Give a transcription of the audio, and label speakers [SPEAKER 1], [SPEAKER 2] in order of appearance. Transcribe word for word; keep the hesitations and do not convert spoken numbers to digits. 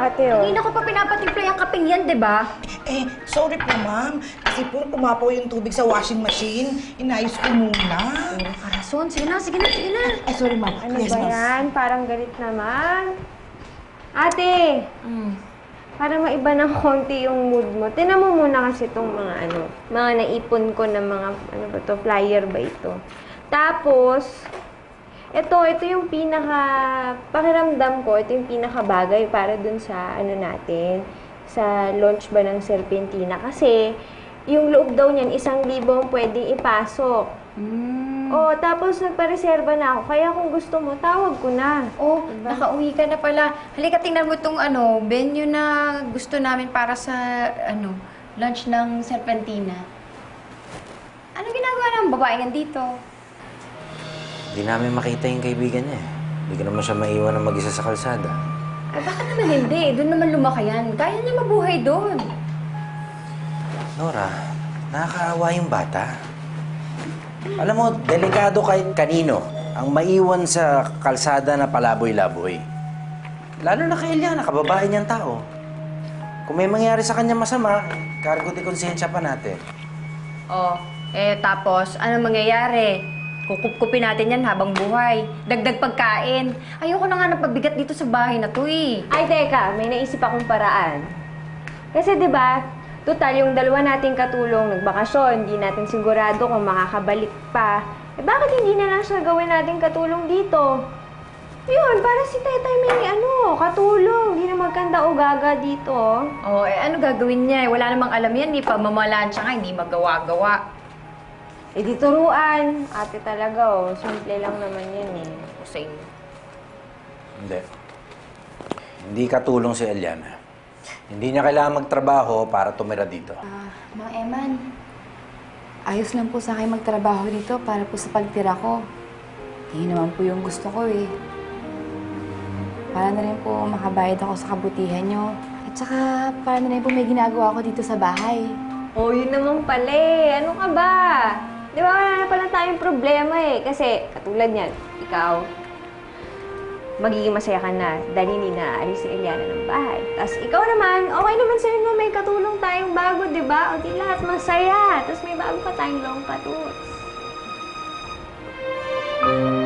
[SPEAKER 1] ate, oh.
[SPEAKER 2] Hindi na ko pa pinapatimpla yung kaping yan, di ba?
[SPEAKER 3] Eh, sorry po, ma'am. Kasi po, pumapaw yung tubig sa washing machine. Inayos ko muna.
[SPEAKER 2] Puro karason. Sige na, sige na, sige na.
[SPEAKER 3] Ay, sorry, ma'am.
[SPEAKER 1] Ano
[SPEAKER 3] Yes,
[SPEAKER 1] ba
[SPEAKER 3] ma'am.
[SPEAKER 1] yan? Parang galit naman. Ate!
[SPEAKER 2] Mm.
[SPEAKER 1] Para maiba ng konti yung mood mo. Tinan mo muna kasi itong mga ano, mga naipon ko na mga, ano ba to, flyer ba ito. Tapos, ito, ito yung pinaka, pakiramdam ko, ito yung pinaka bagay para dun sa, ano natin, sa launch ba ng Serpentina. Kasi, yung loob daw niyan, isang libo ang pwedeng ipasok.
[SPEAKER 2] Mm.
[SPEAKER 1] Oh, tapos nagpareserba na ako. Kaya kung gusto mo, tawag ko na.
[SPEAKER 2] Oh,
[SPEAKER 1] Diba?
[SPEAKER 2] nakauwi ka na pala. Halika, tingnan mo itong ano, venue na gusto namin para sa, ano, lunch ng Serpentina. Ano ginagawa ng babae nga dito?
[SPEAKER 4] Hindi namin makita yung kaibigan niya eh. Hindi ko naman siya maiwan na mag-isa sa kalsada.
[SPEAKER 2] Ay, bakit naman hindi? Doon naman lumakayan. Kaya niya mabuhay doon.
[SPEAKER 4] Nora, nakakaawa yung bata. Alam mo, delikado kahit kanino ang maiwan sa kalsada na palaboy-laboy. Lalo na kay Eliana, kababae niyang tao. Kung may mangyari sa kanya masama, cargo de konsensya pa natin.
[SPEAKER 2] Oh, eh tapos, ano mangyayari? Kukupkupin natin yan habang buhay. Dagdag pagkain. Ayoko na nga ng pagbigat dito sa bahay na to eh.
[SPEAKER 1] Ay, teka, may naisip akong paraan. Kasi 'di ba, total yung dalawa nating katulong nagbakasyon, hindi natin sigurado kung makakabalik pa. Eh bakit hindi na lang siya gawin nating katulong dito? Yun, para si Tetay may ano, katulong. Hindi na magkanda o gaga dito.
[SPEAKER 2] Oh, eh ano gagawin niya? Eh, wala namang alam yan. Di pa mamalaan siya nga, hindi magawa-gawa.
[SPEAKER 1] Eh di turuan. Ate talaga oh, simple lang naman yan eh.
[SPEAKER 2] Kusing.
[SPEAKER 4] Hindi. Hindi katulong si Eliana. Hindi niya kailangan magtrabaho para tumira dito.
[SPEAKER 5] Ah, Mang Eman, ayos lang po sa akin magtrabaho dito para po sa pagtira ko. Hindi naman po yung gusto ko eh. Para na rin po makabayad ako sa kabutihan nyo. At saka, para na rin po may ginagawa ko dito sa bahay.
[SPEAKER 1] Oh, yun naman pala eh. Ano ka ba? Di ba wala na pala tayong problema eh. Kasi, katulad niyan, ikaw, magiging masaya ka na dahil hindi naaalis si Eliana ng bahay. Tapos ikaw naman, okay naman sa'yo na may katulong tayong bago, di ba? O di lahat masaya. Tapos may bago pa tayong long patuts.